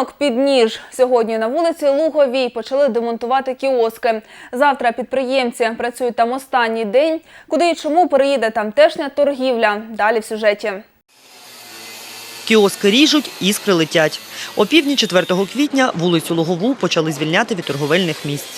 Ринок під ніж. Сьогодні на вулиці Луговій почали демонтувати кіоски. Завтра підприємці працюють там останній день. Куди і чому переїде тамтешня торгівля? Далі в сюжеті. Кіоски ріжуть, іскри летять. О півдні 4 квітня вулицю Лугову почали звільняти від торговельних місць.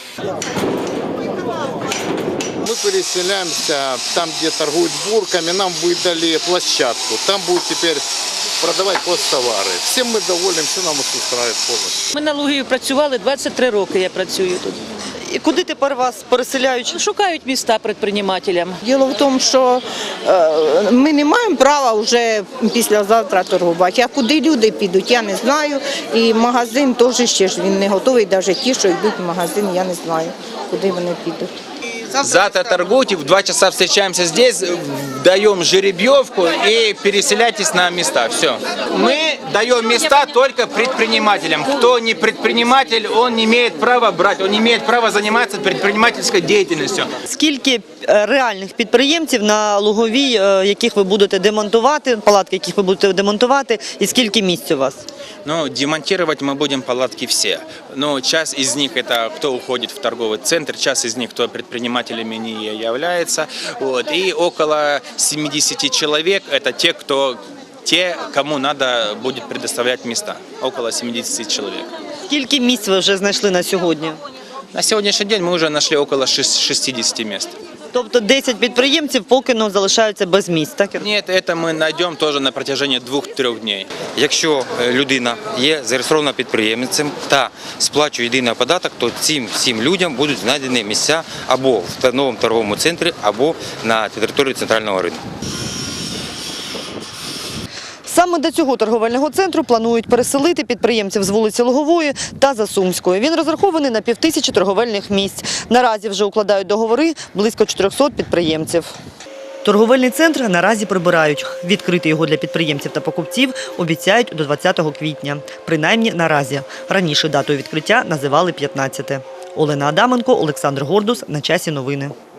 Мы переселяемся там, где торгуют бурками, нам выдали площадку. Там будут теперь продавать посттовари. Всім ми довольні, все нам устраивает повністю. Ми на Лугові працювали, 23 роки я працюю тут. І куди тепер вас переселяють? Шукають міста предпринимателям. Діло в тому, що ми не маємо права вже післязавтра торгувати. А куди люди підуть, я не знаю. І магазин теж ще ж він не готовий, навіть ті, що йдуть в магазин, я не знаю, куди вони підуть. Завтра торгуйте, в 2 часа встречаемся здесь, даем жеребьевку и переселяйтесь на места. Все. Мы даем места только предпринимателям. Кто не предприниматель, он не имеет права брать, он не имеет права заниматься предпринимательской деятельностью. Скільки реальних підприємців на Луговій, яких ви будете демонтувати, палатки, яких ви будете демонтувати, і скільки місць у вас? Ну, демонтировать мы будем палатки все. Но часть из них это кто уходит в торговый центр, часть из них кто предпринимателями не является. Вот. И около 70 человек это те, кому надо будет предоставлять места. Около 70 человек. Скільки місць ви вже знайшли на сьогодні? На сегодняшний день мы уже нашли около 60 мест. Тобто 10 підприємців поки залишаються без місць, так? Нет, это мы найдем тоже на протяжении 2-3 дней. Якщо людина є зареєстрована підприємцем та сплачує єдиний податок, то цим всім людям будуть знайдені місця або в новому торговому центрі, або на території центрального ринку. Саме до цього торговельного центру планують переселити підприємців з вулиці Лугової та Засумської. Він розрахований на 5000 торговельних місць. Наразі вже укладають договори близько 400 підприємців. Торговельний центр наразі прибирають. Відкрити його для підприємців та покупців обіцяють до 20 квітня. Принаймні наразі. Раніше датою відкриття називали 15. Олена Адаменко, Олександр Гордус. На часі новини.